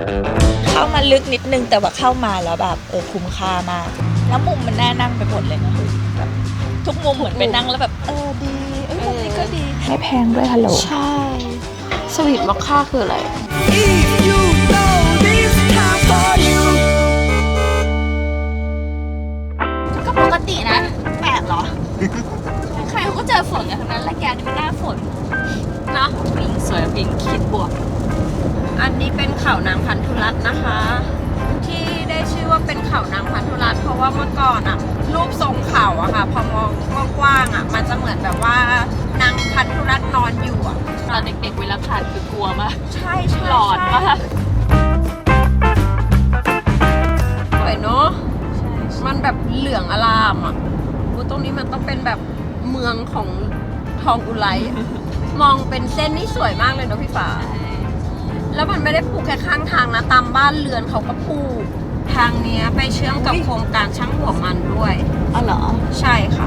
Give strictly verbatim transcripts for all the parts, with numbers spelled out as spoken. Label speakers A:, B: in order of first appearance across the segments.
A: เข้ามาลึกนิดนึงแต่ว่าเข้ามาแล้วแบบเออคุ้มค่ามากแล้วมุมมันน่านั่งไปหมดเลยนะแบบทุกมุมเหมือนไปนั่งแล้วแบบเออดีเออมุมนี้ก็ดีไม่แพงด้วยฮัลโหล
B: ใช่สวีทมอคค่าคืออะไร
A: ก็ปกตินะแปลกเหรอใครเขาก็เจอฝนกันทั้งนั้นแหละแกนี่มันหน้าฝนเนาะปิงสวยปิงคิดบวก
B: อันนี้เป็นเขานางพันธุรัตน์นะคะที่ได้ชื่อว่าเป็นเขานางพันธุรัตน์เพราะว่าเมื่อก่อนอะรูปทรงเขาอะค่ะพอมองกว้างๆอะมันจะเหมือนแบบว่านางพันธุรัตน์นอนอยู่อะ
A: ตอนเด็กๆเวลาผ่านคือกลัวมาก
B: ใช่ใช่
A: หลอนมาก
B: สวยเนาะมันแบบเหลืองอลามอะอูตรงนี้มันต้องเป็นแบบเมืองของทองอุไร มองเป็นเส้นนี่สวยมากเลยเนาะพี่ฟ้าแล้วมันไม่ได้ปลูกแค่ข้างทางนะตามบ้านเรือนเขาก็ปลูกทางนี้ไปเชื่อมกับโครงการช่างหัวมันด้วย
A: อ๋อเหรอ
B: ใช่ค่ะ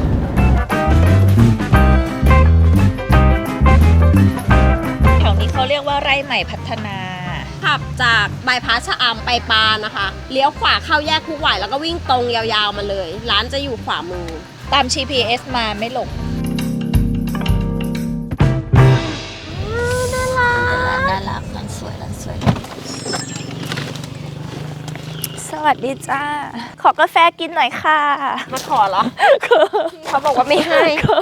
A: แถวนี้เขาเรียกว่าไร่ใหม่พัฒนา
B: ขับจากบายพาสชะอำไปปานะคะเลี้ยวขวาเข้าแยกคุกหวายแล้วก็วิ่งตรงยาวๆมาเลยร้านจะอยู่ขวามือ
A: ตาม จี พี เอส มาไม่หลงน่ารักน่ารักร้านสวยร้านสวยสวัสดีจ้าขอกาแฟกินหน่อยค่ะ
B: มาขอเหรอเขาบอกว่าไม่ให้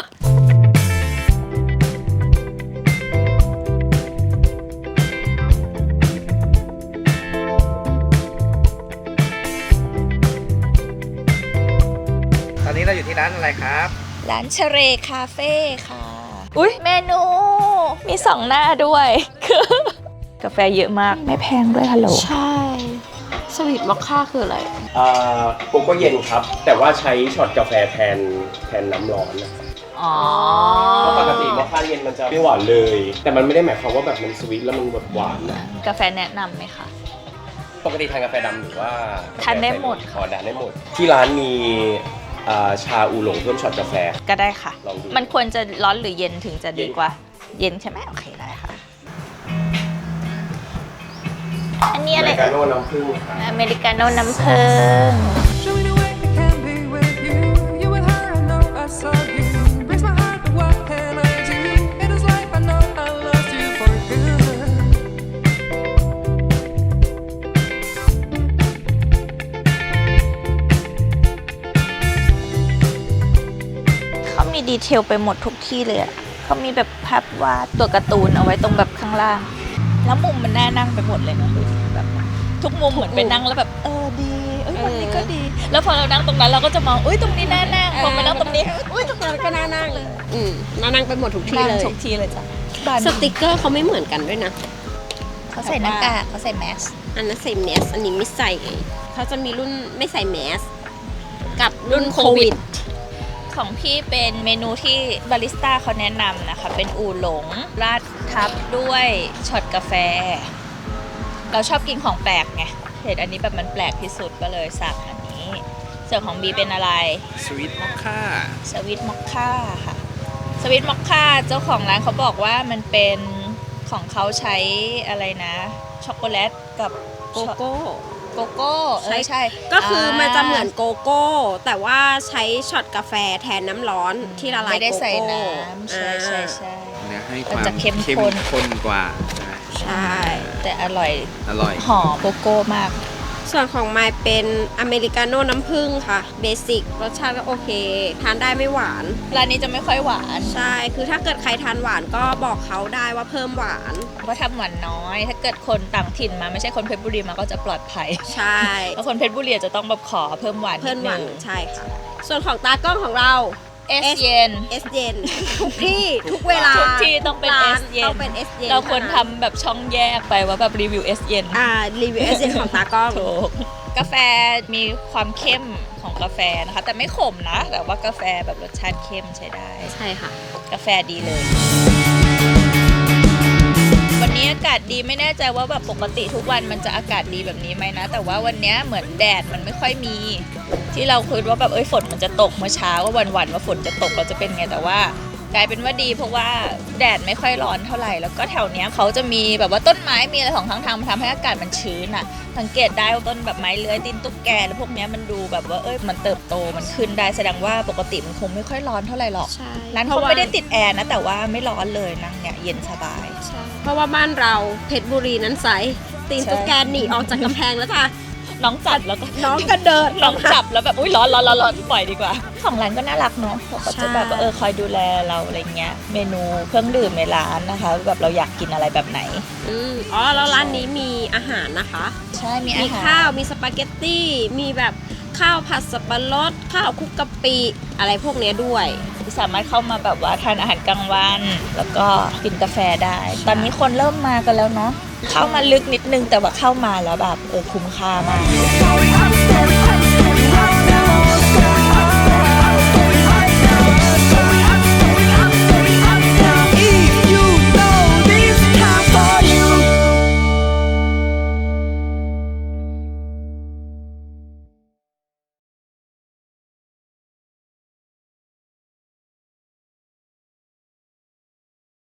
C: ตอนนี้เราอยู่ที่ร้านอะไรครับ
A: ร้านเชเรคาเฟ่ค่ะอุ๊ยเมนูมีสองหน้าด้วยกาแฟเยอะมากไม่แพงด้วยฮัลโหล
B: ใช่สวีทมอคค่าคืออะไร
D: อ่าโกโก้เย็นครับแต่ว่าใช้ช็อตกาแฟแทนแทนน้ำร้อนนะครับ
A: อ๋อ
D: เพราะปกติมอคค่าเย็นมันจะไม่หวานเลยแต่มันไม่ได้หมายความว่าแบบมันสวีทแล้วมันแบบหวานนะ
A: กาแฟแนะนำไหมคะ
D: ปกติทานกาแฟดำหรือว่า
A: ทานได้หมด
D: อ๋อทานได้หมดที่ร้านมีชาอูหลงเพิ่มช็อตกาแฟ
A: ก็ได้ค่ะมันควรจะร้อนหรือเย็นถึงจะดีกว่าเย็นใช่ไหมโอเคได้ค่ะอันนี้อะไร
D: อเมริกาโน่น้ำผึ้ง
A: อเมริกาโน่น้ำผึ้งมีดีเทลไปหมดทุกที่เลยอ่ะเขามีแบบภาพวาดตัวการ์ตูนเอาไว้ตรงแบบข้างล่างแล้วมุมมันน่านั่งไปหมดเลยนะแบบทุกมุมเหมือนไปนั่งแล้วแบบเออดีเอ้ยมุมนี้ก็ดีแล้วพอเรานั่งตรงนั้นเราก็จะมองอุ้ยตรงนี้น่านั่งพอไปนั่งตรงนี้อุ้ยตรงนั้นก็น่านั่งเลย
B: อืมน่านั่งไปหมดทุกที่เลย
A: ทุกที่เลยจ้ะ
B: สติกเกอร์เขาไม่เหมือนกันด้วยนะ
A: เขาใส่หน้ากากเขาใส่แมส
B: อันนั้นใส่แมสอันนี้ไม่ใส่เขาจะมีรุ่นไม่ใส่แมสกับรุ่นโควิด
A: ของพี่เป็นเมนูที่บาริสต้าเขาแนะนำนะคะเป็นอูหลงราดทับด้วยช็อตกาแฟเราชอบกินของแปลกไงเห็นอันนี้แบบมันแปลกที่สุดก็เลยสั่งอันนี้ส่วนของบีเป็นอะไร
C: สวีทมอคค่า
A: สวีทมอคค่าค่ะสวีทมอคค่าเจ้าของร้านเขาบอกว่ามันเป็นของเขาใช้อะไรนะช็อกโกแลตกับ
B: โกโก้
A: โกโก้ใช่ใช่
B: ก็คือมันจะเหมือนโกโก้แต่ว่าใช้ช็อตกาแฟแทนน้ำร้อนที่ละลายโกโก้ไม่
A: ได้ใส่น้ำใช่ใช่ใช่
C: เนี่ยให้ความเข้มข้นกว่า
A: ใช่แต่อร่อย
C: อร่อย
A: หอมโกโก้มาก
B: ส่วนของไมค์เป็นอเมริกาโน่น้ำผึ้งค่ะเบสิกรสชาติก็โอเคทานได้ไม่หวาน
A: ร้านนี้จะไม่ค่อยหวาน
B: ใช่คือถ้าเกิดใครทานหวานก็บอกเขาได้ว่าเพิ่มหวาน
A: เพราะทำหวานน้อยถ้าเกิดคนต่างถิ่นมาไม่ใช่คนเพชรบุรีมาก็จะปลอดภัย
B: ใช่
A: แล้วคนเพชรบุรีจะต้องแบบขอเพิ่มหวานนิดนึง
B: ใช่ค่ะส่วนของตากล้องของเรา
A: เอสเย็น
B: เอสเย็นทุกที่ทุกเวลา
A: ทุกที่ต้องเป็นเอสเย็น
B: ต้องเป็นเอสเย็น
A: เราควรทำแบบช่องแยกไปว่าแบบรีวิวเอสเย็น
B: อ่ารีวิวเอสเย็นของตากล้อง
A: ถูกกาแฟมีความเข้มของกาแฟนะคะแต่ไม่ขมนะแต่ว่ากาแฟแบบรสชาติเข้มใช้ได้
B: ใช่ค่ะ
A: กาแฟดีเลยวันนี้อากาศดีไม่แน่ใจว่าแบบปกติทุกวันมันจะอากาศดีแบบนี้ไหมนะแต่ว่าวันนี้เหมือนแดดมันไม่ค่อยมีที่เราคิดว่าแบบเอ้ยฝนมันจะตกเมื่อเช้าว่าวันๆว่าฝนจะตกเราจะเป็นไงแต่ว่ากลายเป็นว่าดีเพราะว่าแดดไม่ค่อยร้อนเท่าไหร่แล้วก็แถวเนี้ยเขาจะมีแบบว่าต้นไม้มีอะไรของข้างทางมันทำให้อากาศมันชื้นอ่ะสังเกตได้ว่าต้นแบบไม้เลื้อยตีนตุ๊กแกแล้วพวกเนี้ยมันดูแบบว่าเอ้ยมันเติบโตมันขึ้นได้แสดงว่าปกติมันคงไม่ค่อยร้อนเท่าไหร่หรอก
B: ใช่
A: ร้านเขาไม่ได้ติดแอร์นะแต่ว่าไม่ร้อนเลยนั่งเนี่ยเย็นสบาย
B: ใช่เพราะว่าบ้านเราเพชรบุรีนั้นใสตีน
A: ใช่
B: ตุ๊กแกหนีออกจากกำแพงแล้วค่ะ
A: น้องจับแล้วก็
B: น้องก็เดิน
A: น้องจับแล้วแบบอุ้ยร้อนร้อนร้อนร้อนปล่อยดีกว่าของร้านก็น่ารักเนาะเขาก็จะแบบว่าเออคอยดูแลเราอะไรเงี้ยเมนูเครื่องดื่มในร้านนะคะแบบเราอยากกินอะไรแบบไหน
B: อืมอ๋อแล้วร้านนี้มีอาหารนะคะ
A: ใช่มี
B: มี
A: อาหาร
B: ข้าวมีสปาเกตตี้มีแบบข้าวผัดสับปะรดข้าวคลุกกะปิอะไรพวกเนี้ยด้วย
A: สามารถเข้ามาแบบว่าทานอาหารกลางวันแล้วก็กินกาแฟได้ ตอนนี้คนเริ่มมากันแล้วเนาะเข้ามาลึกนิดนึงแต่ว่าเข้ามาแล้วแบบเออคุ้มค่ามาก
E: Story, I'm a story.